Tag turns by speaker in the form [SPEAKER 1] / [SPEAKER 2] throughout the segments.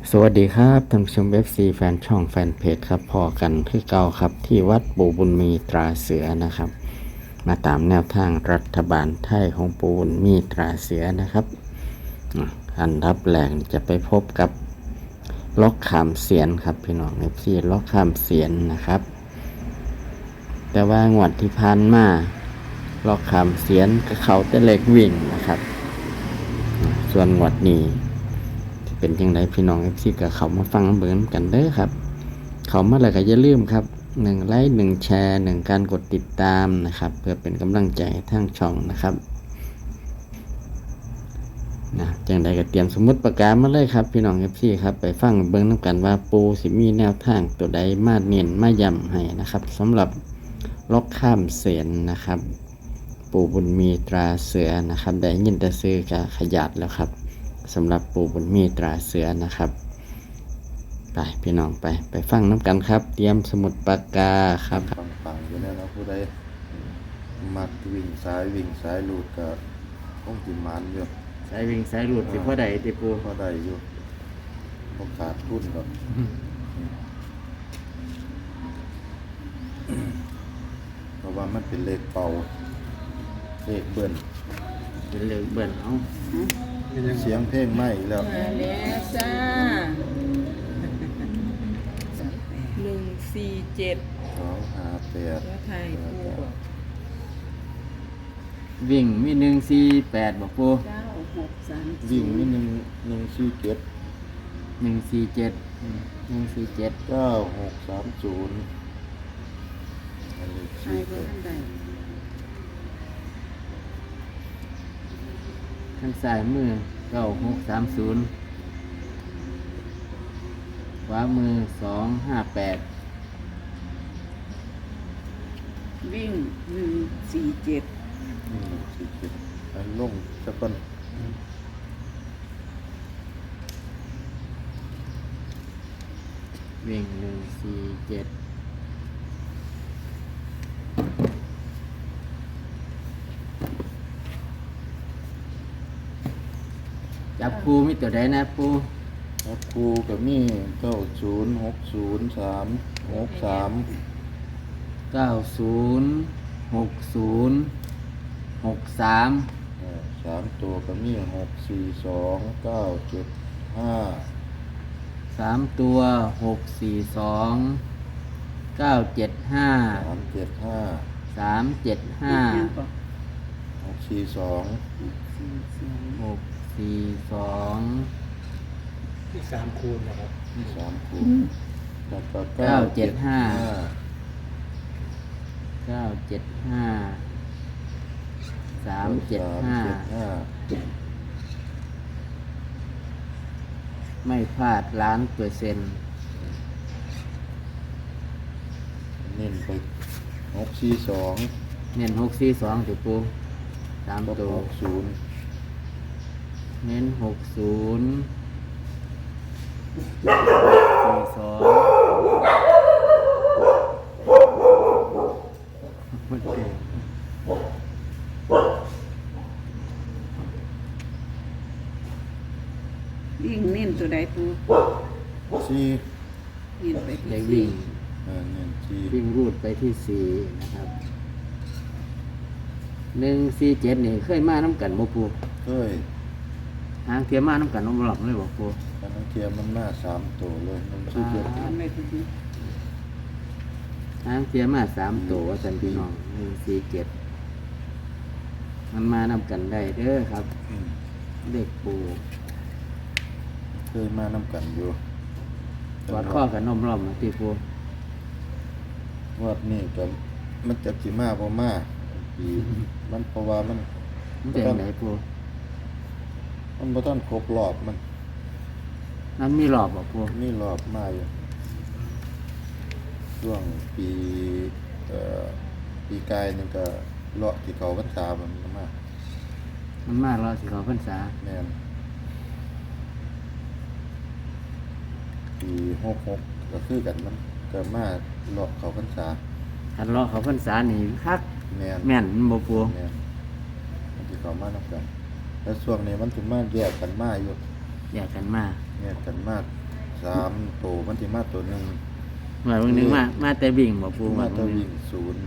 [SPEAKER 1] สวัสดีครับท่านผู้ชม FC แฟนช่องแฟนเพจครับพอกันคือเก่าครับที่วัดปู่บุญมีตราเสือนะครับมาตามแนวทางรัฐบาลไทยของปู่บุญมีตราเสือนะครับอันดับแรกจะไปพบกับล็อกขามเสียนครับพี่น้อง FC ล็อกขามเสียนนะครับแต่ว่างวดที่ผ่านมาล็อกขามเสียนกับเขาแต่เล็กวิ่งนะครับส่วนงวดนี้เป็นยังไงพี่น้อง FC กับเขามาฟังเบิ่งกันเด้อครับเขามาแล้วก็อย่าลืมครับ1 ไลค์ 1 แชร์ 1 การกดติดตามนะครับเพื่อเป็นกำลังใจทางช่องนะครับจังใดก็เตรียมสมุดปากกามาเลยครับพี่น้อง FC ครับไปฟังเบิ่งนํกันว่าปูสิมีแนวทางตัวใดมาเน้นมาย้ำให้นะครับสำหรับล็อกข้ามเสียนนะครับปู่บุญมีตราเสือนะครับได้ยินแต่ซื้อก็ขยัดแล้วครับสำหรับปู่บุญมีตราเสือนะครับไปพี่น้องไปฟังน้ำกันครับเตรียมสมุดปากกาครับ
[SPEAKER 2] ปังๆอยู่แล้วนะผู้ใดมักวิ่งซ้ายลูดก็คงสิหมันอยู่
[SPEAKER 1] สายวิ่งสายหลุดสิพ่อใดติปู
[SPEAKER 2] พอได้อยู่บ่ขาดทุนดอกเพราะว่ามันเป็นเลขเป่าเลขเบิ้ล
[SPEAKER 1] เป็นเรื่องเบิ่นเอา
[SPEAKER 2] เสียงเพลงใหม่แล้ว
[SPEAKER 3] มาแล้วจ้า147
[SPEAKER 2] 258
[SPEAKER 3] แล้วไทยปูบอก
[SPEAKER 1] วิ่งมี148บอกปู
[SPEAKER 3] 9630
[SPEAKER 2] วิ่งนิดนึง147
[SPEAKER 1] 147
[SPEAKER 2] 9630อันนี้
[SPEAKER 3] ไทยบ่ทันใด
[SPEAKER 1] ข้างซ้ายมือ9630ขวามือ258
[SPEAKER 3] วิ่ง147
[SPEAKER 2] 147อันลงซะก่อน
[SPEAKER 1] วิ่ง147จับปูมีตัวใดนะปู
[SPEAKER 2] ครับครูกับมี90606363 3ตัวก็มี642 975
[SPEAKER 1] 3ตัว642 975 375 642
[SPEAKER 2] ที่3คูณนะครับ3คูณแล้วก็
[SPEAKER 1] 375ไม่พลาด1,000,000%
[SPEAKER 2] เน้นไป642
[SPEAKER 1] เน้น642ติปู3ตัว
[SPEAKER 2] 60
[SPEAKER 1] เน้น60 42มันเก่ง
[SPEAKER 3] วิ่งเน้นตัวใดปู
[SPEAKER 2] 4
[SPEAKER 3] เน้นไป
[SPEAKER 1] ได้
[SPEAKER 3] ที่
[SPEAKER 1] วิ่ง
[SPEAKER 2] เน้น4
[SPEAKER 1] วิ่งรูดไปที่4นะครับ147นี่เคยมาน้ำกันบ่ปู
[SPEAKER 2] เฮ้ย
[SPEAKER 1] หางเทียมมาน้ำกันน้องหลับเลยบ่ปู
[SPEAKER 2] อันนั้นเทียมมันมา3ตัวเลยมันชื่อเจ็ด
[SPEAKER 3] ทำไปที่
[SPEAKER 1] หางเทียมมา3ตัวว่าซั่นพี่น้อง147มันมานำกันได้เด้อครับ เด็กปู
[SPEAKER 2] เคยมานำกันอยู่
[SPEAKER 1] กอดข้อกับนมล้อมที่ปู
[SPEAKER 2] วัดนี้ก็มันจะสิมาบ่มาปีมันเพราะว่ามัน
[SPEAKER 1] มันเป็นไหนปู
[SPEAKER 2] มันบ่ทันครบรอบมัน
[SPEAKER 1] นั้นมีหลอบบ่ปู
[SPEAKER 2] มีรอบมาอยู่ช่วงปีปีกายนึงก็เลาะที่เขาพรรษามันมา
[SPEAKER 1] มันมากรอสิเขาพรรษา
[SPEAKER 2] แม่นปี66ก็คือกันมันก็มาเลาะเขาพรรษา
[SPEAKER 1] คันรอเขาพรรษานี่คัก
[SPEAKER 2] แม่น
[SPEAKER 1] แม่นมันบ่ปู
[SPEAKER 2] แม่นมันสิเข้ามานำกันแล้วช่วงนี้มันสิมาแยกกันมาอยู่
[SPEAKER 1] แยกกันมา
[SPEAKER 2] แยกกันมา 3ตัวมันสิมาตัวหนึง
[SPEAKER 1] หมายวันนึงมาแต่วิ่งบ่ปูห
[SPEAKER 2] มา
[SPEAKER 1] มา
[SPEAKER 2] จะ
[SPEAKER 1] วันนึ
[SPEAKER 2] วิ่
[SPEAKER 1] ง
[SPEAKER 2] งศูนย์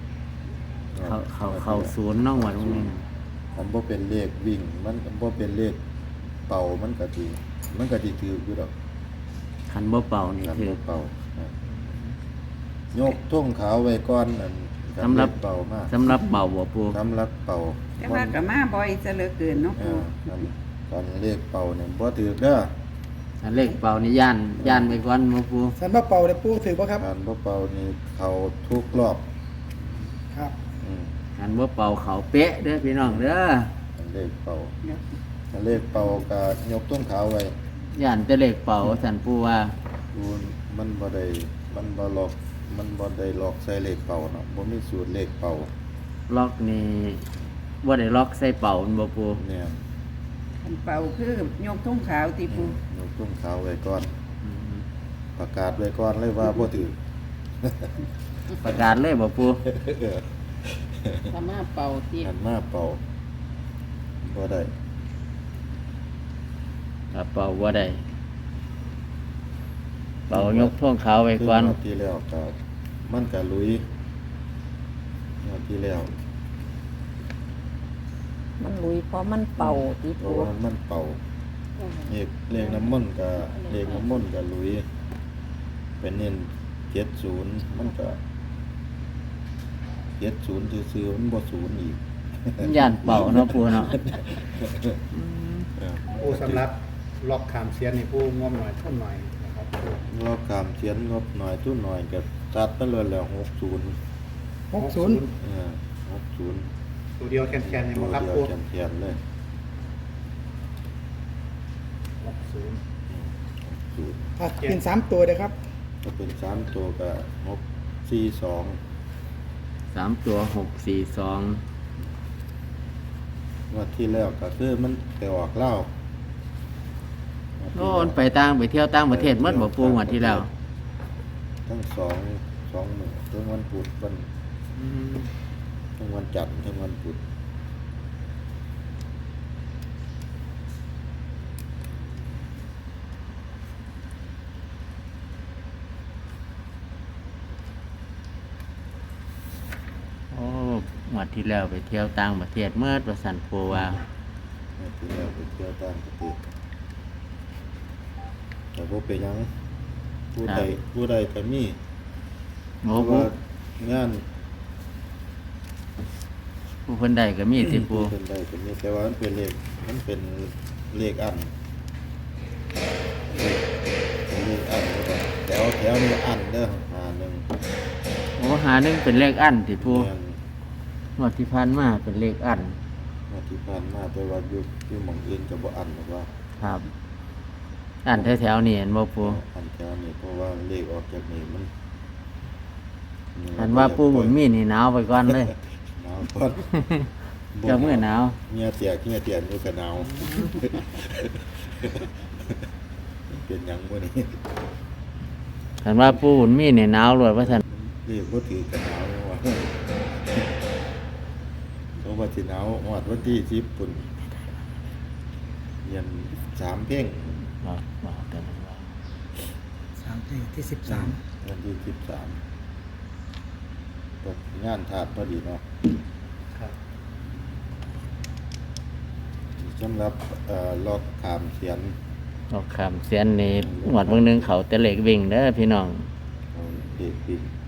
[SPEAKER 1] เขาศูนย์น้องหมดวันนึง
[SPEAKER 2] มันบ่เป็นเลขวิ่ง มันบ่เป็นเลขเป่ามันก็สิถืออยู่ดอก
[SPEAKER 1] คันบ่เป่านี่
[SPEAKER 2] กัน
[SPEAKER 1] คือ
[SPEAKER 2] บ่เป่านะยกทุ่งขาวไว้ก่อนนั่นก็
[SPEAKER 1] สำหรับ
[SPEAKER 2] เลขเป่ามาก
[SPEAKER 1] สำหรับเป่าบ่ปู
[SPEAKER 2] สำหรับเป่า
[SPEAKER 3] แต่ว่าก็มาบ่อยซะเหลือเกินเนาะ
[SPEAKER 2] เอ
[SPEAKER 3] ปู
[SPEAKER 2] อกันเลขเป่าเนี่ยบ่ถือเด้อ
[SPEAKER 1] อันเลขเป่านี่ย่านไปก่อนบ่ปู
[SPEAKER 4] สันบ่เป่าได้ปูถือป่ะครับ
[SPEAKER 2] การบ่เป่านี่เขาทุกรอบ
[SPEAKER 4] ครับ
[SPEAKER 2] อืม
[SPEAKER 1] คันบ่เป่าเขาเป๊ะเด้อพี่น้องเด้อ
[SPEAKER 2] กันเลขเป่า
[SPEAKER 3] เดี๋ยว
[SPEAKER 2] กันเลขเป่าก็ยกทุ่งขาวไว้
[SPEAKER 1] ย่านแต่เลขเป่าสันปูว่า
[SPEAKER 2] ดูมันบ่ได้มันบ่ล็อกมันบ่ได้ล็อกใส่เลขเป่าเนาะบ่มีสูตรเลขเป่า
[SPEAKER 1] ล็อกนี่บ่ได้ล็อกใส่เป่ามันบ่ปู
[SPEAKER 2] เนี่ย
[SPEAKER 3] อันเป่าคือยกทุ่งขาวติปู
[SPEAKER 2] ยกทุ่งขาวไว้ก่อน
[SPEAKER 1] อืม
[SPEAKER 2] ประกาศไว้ก่อนเลยว่าบ่ถือ
[SPEAKER 1] ประกาศเลยบ่ปู
[SPEAKER 3] ถ้ามาเป่าติ
[SPEAKER 2] หันมาเป่าบ่ได้
[SPEAKER 1] ถ้าเป่าบ่ได้เป่ายกท่วงขาวไว้ก่อน
[SPEAKER 2] คืงวดที่แล้วก็มันก็ลุยงวดที่แล้ว
[SPEAKER 5] มันลุยเพราะมันเป่าที่
[SPEAKER 2] เพ
[SPEAKER 5] ปู
[SPEAKER 2] ราะว่ามันเป่าเลขน้ำมนต์ก็เลขน้ำมนต์ก็ลุยเป็นเน้น70มันก็70ซื่อๆมันบ่ศูนย์อีก
[SPEAKER 1] ย่านเป่าเนาะปูเนาะ
[SPEAKER 4] ปูสำหรับล็อกขามเสียนนี่ปูงวมหน่อยทุ่มหน่อยนะครับปู
[SPEAKER 2] งบกามเขียนงบหน่อยทุนหน่อยก็ตัดไปเลยแล้ว60
[SPEAKER 4] 60
[SPEAKER 2] 60
[SPEAKER 4] ตัวเดียวแคนๆเนี่ย
[SPEAKER 2] ตัว
[SPEAKER 4] บ่ครับ
[SPEAKER 2] เดียว
[SPEAKER 4] ปู
[SPEAKER 2] เขียนๆเลย
[SPEAKER 4] 60
[SPEAKER 2] 60
[SPEAKER 4] อ่ะเป็น3ตัวเลยครับ
[SPEAKER 2] ก็เป็น3ตัวก็642
[SPEAKER 1] 3ตัว642
[SPEAKER 2] งวดที่แล้วก็คือมันไปออกเหล้า
[SPEAKER 1] โน่นไปไปเที่ยวต่างประเทศหมดบ่ปูงวดที่แล้ว
[SPEAKER 2] ทั้งสองมื้อทั้งวันพุธวัน
[SPEAKER 1] อืม
[SPEAKER 2] ทั้งวันจันทร์ทั้งวันพุธ
[SPEAKER 1] โอ้งวดที่แล้วไปเที่ยวต่างประเทศเมื่อประสันปูว่า
[SPEAKER 2] งวดที่แล้วไปเที่ยวต่างประเทศแต่บ่เป็นหยังผู้ใดก็มี
[SPEAKER 1] โอ้
[SPEAKER 2] เพราะ
[SPEAKER 1] ปู
[SPEAKER 2] ว่างาน
[SPEAKER 1] ผู้เพิ่นได้ก็มีสิปู
[SPEAKER 2] เป็นได้ก็มีแต่ว่ามันเป็นเลขอันเลขอันแล้วก็แถวนี้อันเด้อ51
[SPEAKER 1] โอ้หาหนึงเป็นเลขอันสิปู
[SPEAKER 2] แม่น
[SPEAKER 1] งวดที่ผ่านมาเป็นเลขอัน
[SPEAKER 2] งวดที่ผ่านมาแต่ว่าอยู่หม่องอื่นก็บ่อันหรอกว่า
[SPEAKER 1] ครับ อันแถวๆนี่เห็นบ่ปู
[SPEAKER 2] อันแถวนี้เพราะว่าเลขออกจากนี่มัน
[SPEAKER 1] อันว่าปูบุญมีนี่หนาวไปก่อนเลย
[SPEAKER 2] หนาวก่อน
[SPEAKER 1] เจ้ามื้อหนาว
[SPEAKER 2] เงียเตียอยู่ก็หนาว เป็นหยังบ่นี่
[SPEAKER 1] คันว่าปูบุญมีนี่หนาวรวดว่าซั่น
[SPEAKER 2] เลขบ่ถือก็หนาวว่าเพราะว่าสิหนาวฮอดวันที่10ปุ่นเรียน3เพลง
[SPEAKER 1] บอกแต่นั้นว่า
[SPEAKER 4] 3ที่13
[SPEAKER 2] วันที่13ตกงานถาดพอดีเนาะ
[SPEAKER 4] ครับ
[SPEAKER 2] สำหรับล็อกขามเขียน
[SPEAKER 1] ออกคำเสียนนี่งวดเบิ่งหนึงเขาแต่เลขวิ่งเด้อพี่น้อง
[SPEAKER 2] เอาเด็กปิ่น